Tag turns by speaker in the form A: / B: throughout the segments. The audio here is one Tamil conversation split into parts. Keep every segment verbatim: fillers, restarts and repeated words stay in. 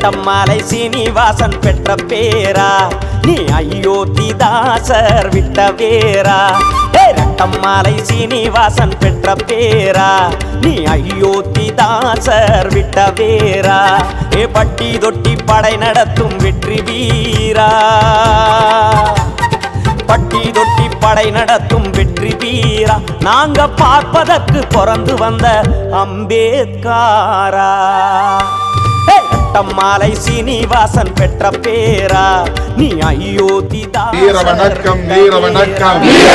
A: ரெட்டம்மாலை சீனிவாசன் பெற்ற பேரா நீ அயோத்திதாசர் விட்ட வேரா ரெட்டம்மாலை சீனிவாசன் பெற்ற பேரா நீ அயோத்திதாசர் விட்ட வேரா ஏ பட்டி தொட்டி படை நடத்தும் வெற்றி வீரா பட்டி தொட்டி படை நடத்தும் வெற்றி வீரா நாங்க பார்ப்பதற்கு பிறந்து வந்த அம்பேத்காரா ரெட்டம்மாலை சீனிவாசன் பெற்ற பேரா நீ அயோத்திதாசர்
B: வீர வணக்கம் வீர வணக்கம் வீர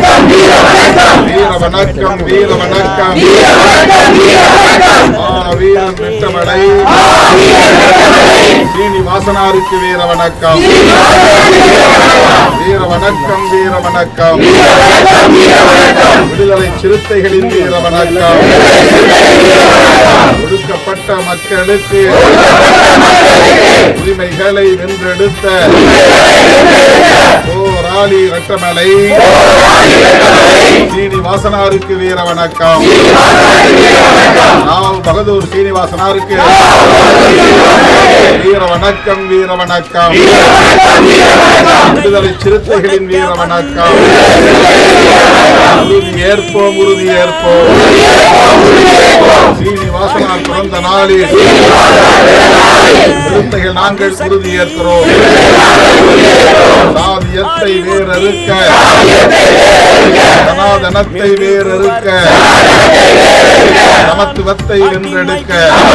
B: வணக்கம் வீர வணக்கம் வீரம் பெற்றமடை சீனிவாசனாருக்கு வீர வணக்கம் வீர வணக்கம் வீர வணக்கம் விடுதலை சிறுத்தைகளின் வீர வணக்கம் ஒடுக்கப்பட்ட மக்களுக்கு உரிமைகளை வென்றெடுத்த போராளி ரெட்டமலை சீனிவாசனாருக்கு வீர வணக்கம் ராவ் பகதூர் சீனிவாசனாருக்கு வீர வணக்கம் வீர வணக்கம் விடுதலை சிறுத்தைகளின் வீர வணக்கம் உறுதி ஏற்போம் உறுதி ஏற்போம் சீனிவாசனார் பிறந்த நாளில் சிறுத்தைகள் நாங்கள் உறுதி ஏற்கிறோம் சாதியத்தை வேறறுக்க சனாதனத்தை வேறறுக்க சமத்துவத்தை வென்றெடுக்க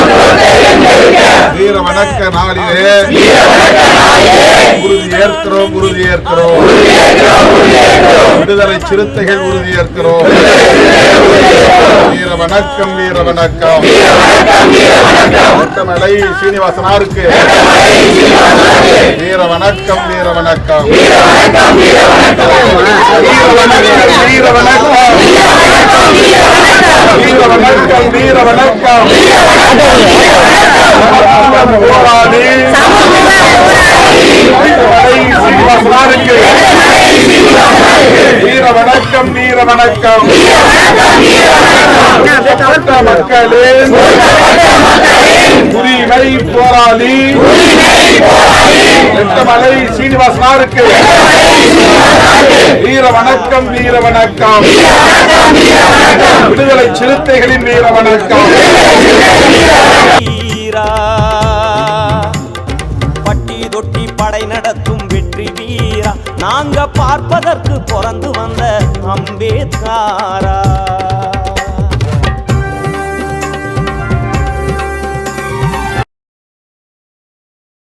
B: வீர வணக்க நாளிலே உறுதி ஏற்கிறோம் உறுதி ஏற்கிறோம் விடுதலை சிறுத்தைகள் உறுதி ஏற்கிறோம் வீர வணக்கம் வீர வணக்கம் ரெட்டமலை சீனிவாசனாருக்கு வீர வணக்கம் வீர வணக்கம் வீர வணக்கம் வீர வணக்கம் வீர வணக்கம் போராடி சீனிவாசனாருக்கு வீர வணக்கம் வீர வணக்கம் மக்களின் உரிமை போராளி ரெட்டமலை சீனிவாசனாருக்கு வீர வணக்கம் வீர வணக்கம் விடுதலை சிறுத்தைகளின் வீர வணக்கம்
A: பட்டி தொட்டி படை நடத்தும் வெற்றி வீரா நாங்க பார்ப்பதற்கு பிறந்து வந்த அம்பேத்காரா